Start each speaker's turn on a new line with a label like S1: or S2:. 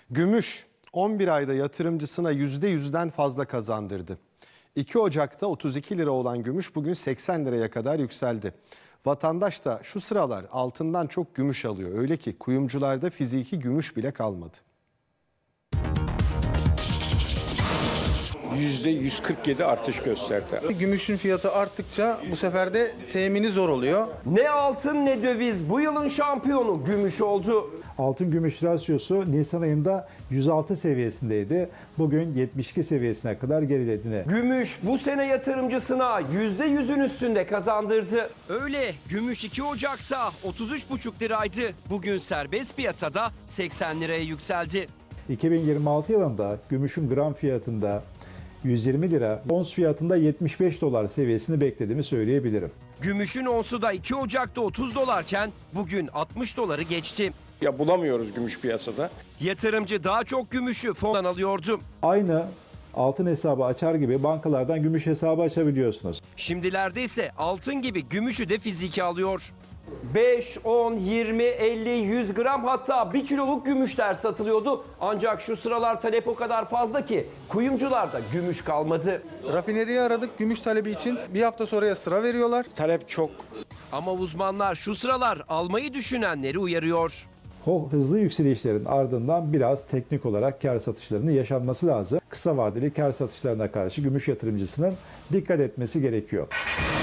S1: Gümüş 11 ayda yatırımcısına %100'den fazla kazandırdı. 2 Ocak'ta 32 lira olan gümüş bugün 80 liraya kadar yükseldi. Vatandaş da şu sıralar altından çok gümüş alıyor. Öyle ki kuyumcularda fiziki gümüş bile kalmadı.
S2: %147 artış gösterdi.
S3: Gümüşün fiyatı arttıkça bu sefer de temini zor oluyor.
S4: Ne altın ne döviz bu yılın şampiyonu gümüş oldu.
S5: Altın gümüş rasyosu Nisan ayında 106 seviyesindeydi. Bugün 72 seviyesine kadar geriledi.
S4: Gümüş bu sene yatırımcısına %100'ün üstünde kazandırdı. Öyle gümüş 2 Ocak'ta 33,5 liraydı. Bugün serbest piyasada 80 liraya yükseldi.
S5: 2026 yılında gümüşün gram fiyatında 120 lira, ons fiyatında 75 dolar seviyesini beklediğimi söyleyebilirim.
S4: Gümüşün onsu da 2 Ocak'ta 30 dolarken bugün 60 doları geçti.
S2: Ya bulamıyoruz gümüş piyasada.
S4: Yatırımcı daha çok gümüşü fondan alıyordu.
S5: Aynı altın hesabı açar gibi bankalardan gümüş hesabı açabiliyorsunuz.
S4: Şimdilerde ise altın gibi gümüşü de fiziki alıyor. 5, 10, 20, 50, 100 gram hatta 1 kiloluk gümüşler satılıyordu. Ancak şu sıralar talep o kadar fazla ki kuyumcularda gümüş kalmadı.
S3: Rafineriyi aradık gümüş talebi için. Bir hafta sonraya sıra veriyorlar.
S2: Talep çok.
S4: Ama uzmanlar şu sıralar almayı düşünenleri uyarıyor.
S5: O hızlı yükselişlerin ardından biraz teknik olarak kar satışlarının yaşanması lazım. Kısa vadeli kar satışlarına karşı gümüş yatırımcısının dikkat etmesi gerekiyor.